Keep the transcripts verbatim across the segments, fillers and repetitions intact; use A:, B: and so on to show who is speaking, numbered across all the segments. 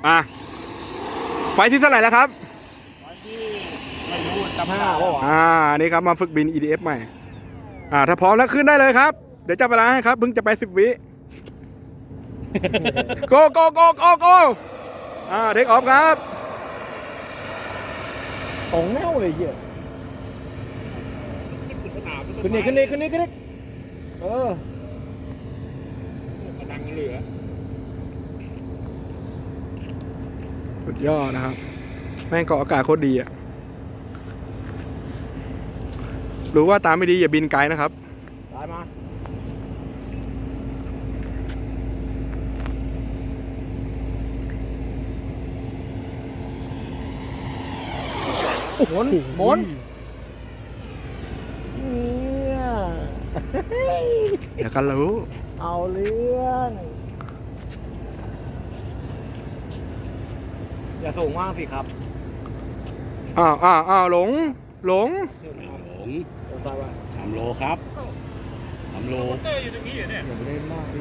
A: อ่ะไฟที่เท่าไหร่แล้วครับ
B: ไฟที่ไม่รู้จำไม่ได้
A: อ่านี่ครับมาฝึกบิน อี ดี เอฟ ใหม่อ่าถ้าพร้อมแล้วขึ้นได้เลยครับเดี๋ยวจับเวลาให้ครับเพิ่งจะไปสิบวิโกโกโกโกโกอ่าเทคออฟครับ
C: ตรงแนวเลยเหี้ยขึ้นนี่ขึ้นนี่ขึ้นนี่ขึ้นนี่เออกำลังเหลือ
A: สุดยอดนะครับแม่งเกาะอากาศโคตรดีอ่ะรู้ว่าตามไม่ดีอย่าบินไกลนะครับ
C: ตายมาหมุนหมุนเนี่ย
A: เดี๋ยวกันรู้
C: เอาเรื่องอย่าสูงมากสิครับ
A: อ้าวอ้าวอ้าวหลงหลง
B: หลง
C: เดี๋ยวซ้ายว่า
B: สามโลครับสามโล
C: อย่าไปเล่นมากดิ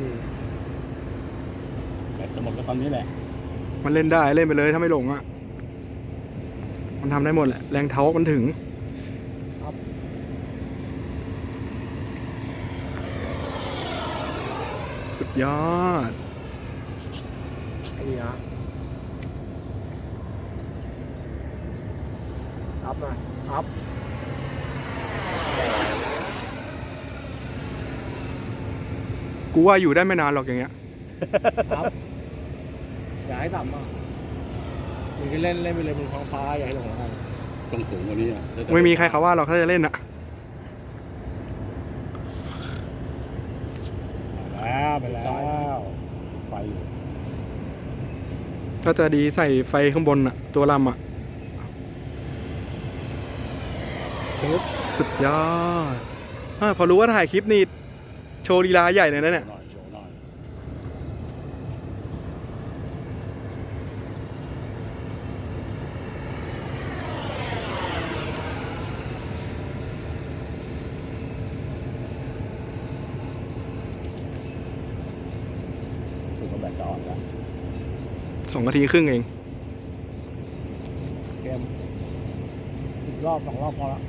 B: แต่จะหมดก็ตอนนี้แหละ
A: มันเล่นได้เล่นไปเลยถ้าไม่หลงอ่ะมันทำได้หมดแหละแรงเท้ามันถึงสุดยอด
C: ไอ้นี่นะอัพหน่อยอัพ
A: กูว่าอยู่ได้ไม่นานหรอกอย่างเงี้ย
C: อัพอย่าให้ต่ำมากมึงก็เล่นเล่นไปเลยมึงท้องฟ้าอย่าให้ลงแล้วกัน
B: ต้องสูงกว่านี้อ่ะ
A: ไม่มีใครเขาว่าเราถ้าจะเล่นอ่ะ
B: แล้วไปแล้วไฟ
A: ถ้าจะดีใส่ไฟข้างบนอ่ะตัวลำอ่ะสุดยอดอาพอรู้ว่าถ่ายคลิปนี่โชว์ลีลาใหญ่เลยนะเนี่ย
B: หน่อยโชว์หน่อยสุดก็แบตจะอ่อนแล้ว
A: สองนาทีครึ่งเอง
C: เกมอีกรอบสองรอบพอละ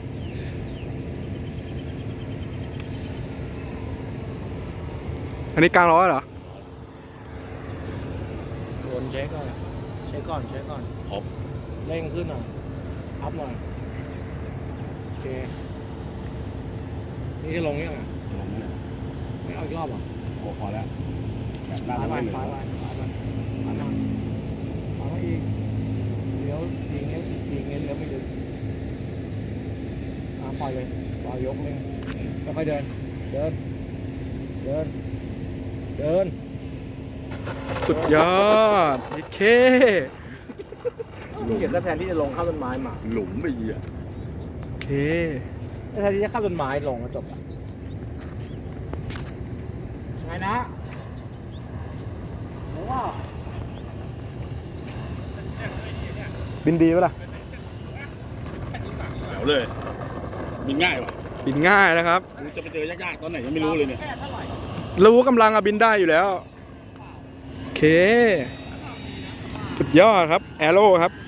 A: อันนี้กลางร้อยเหรอ
C: วนเช็คก่อนเช็คก่อนเช็คก่อน
B: ครบ
C: เร่งขึ้นหน่อยอัพหน่อยโอเคนี่จะลงยังไง
B: ลงแล้ว
C: ไม่เอาอีกรอบเหรอ
B: โอ้พอแล้วแบบหน้า
C: ซ้าย
B: ไม่
C: ไป
B: เหลื
C: ซ้าย
B: อ
C: ไปซ้ายไปซ้ายมาซ้ายมาอีกเลี้ยวยิงเงี้ยยิงเงี้ยเลี้ยวไม่ดึงอ่าปล่อยเลยปล่อยยกเลยค่อยๆเดินเดินเดินเดิน
A: สุดยอดโอเค
C: เก็บแล้วแทนที่จะลงข้ามต้นไม้มา
B: หลุมไปเหี้ย
A: โอเค
C: แทนที่จะข้ามต้นไม้ลงก็จบละไงนะโอ้ว่า
A: บินดีปะล่ะ
B: เดี๋ยวเลยบินง่ายว่ะ
A: บินง่ายนะครับ
B: กูจะไปเจอยากๆตอนไหนยังไม่รู้เลยเนี่ย
A: รู้กำลังอะบินได้อยู่แล้ว โอเค สุดยอดครับแอโร่ครับ